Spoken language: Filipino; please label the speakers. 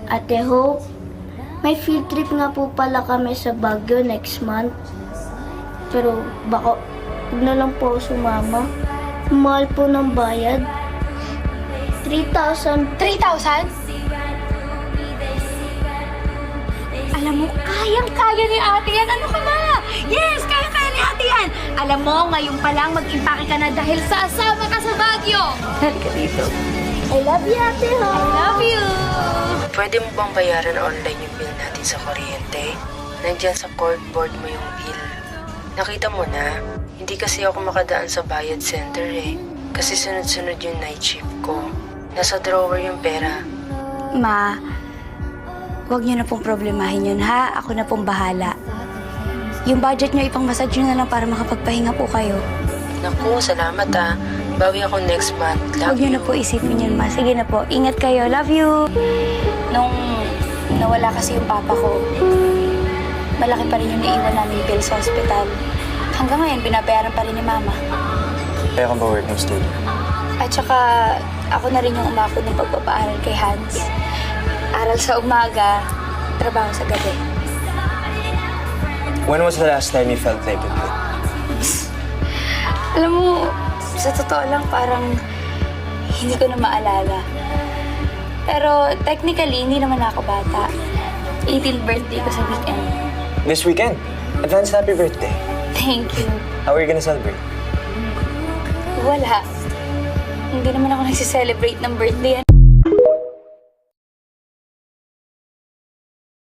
Speaker 1: Ate Hope, may field trip nga po pala kami sa Baguio next month. Pero baka huwag na lang po ako sumama. Mahal po ng bayad. 3,000.
Speaker 2: 3,000? Alam mo, kayang-kaya ni ate yan. Ano ka ba? Yes, kaya-kaya ni ate yan. Alam mo, ngayon pa lang mag-impake ka na dahil sasama ka sa Baguio. Halika dito.
Speaker 1: I love you, Ate
Speaker 2: I
Speaker 1: Hope.
Speaker 2: love you.
Speaker 3: Pwede mo bang bayaran online yung bill natin sa kuryente? Nandyan sa corkboard mo yung bill. Nakita mo na, hindi kasi ako makadaan sa bayad center eh. Kasi sunod-sunod yung night shift ko. Nasa drawer yung pera.
Speaker 2: Ma, huwag niyo na pong problemahin yun, ha? Ako na pong bahala. Yung budget niyo, ipang-massage niyo na lang para makapagpahinga po kayo.
Speaker 3: Naku, salamat ah. Bawi ako next month.
Speaker 2: Huwag
Speaker 3: Love
Speaker 2: niyo
Speaker 3: you.
Speaker 2: na po isipin yun, ma. Sige na po. Ingat kayo. Love you. Nung nawala kasi yung papa ko, malaki pa rin yung naiwan namin bill sa ospital. Hanggang ngayon, binabayaran pa rin ni mama.
Speaker 4: Kaya ka ba working student?
Speaker 2: At saka, ako na rin yung umako ng pagpapaaral kay Hans. Aral sa umaga, trabaho sa gabi.
Speaker 4: When was the last time you felt like it?
Speaker 2: Alam mo, sa totoo lang, parang hindi ko na maalala. Pero technically, hindi naman ako bata. 18th birthday ko sa weekend.
Speaker 4: This weekend? Advance happy birthday.
Speaker 2: Thank you.
Speaker 4: How are you gonna celebrate?
Speaker 2: Wala. Hindi naman ako nagsiselebrate ng birthday.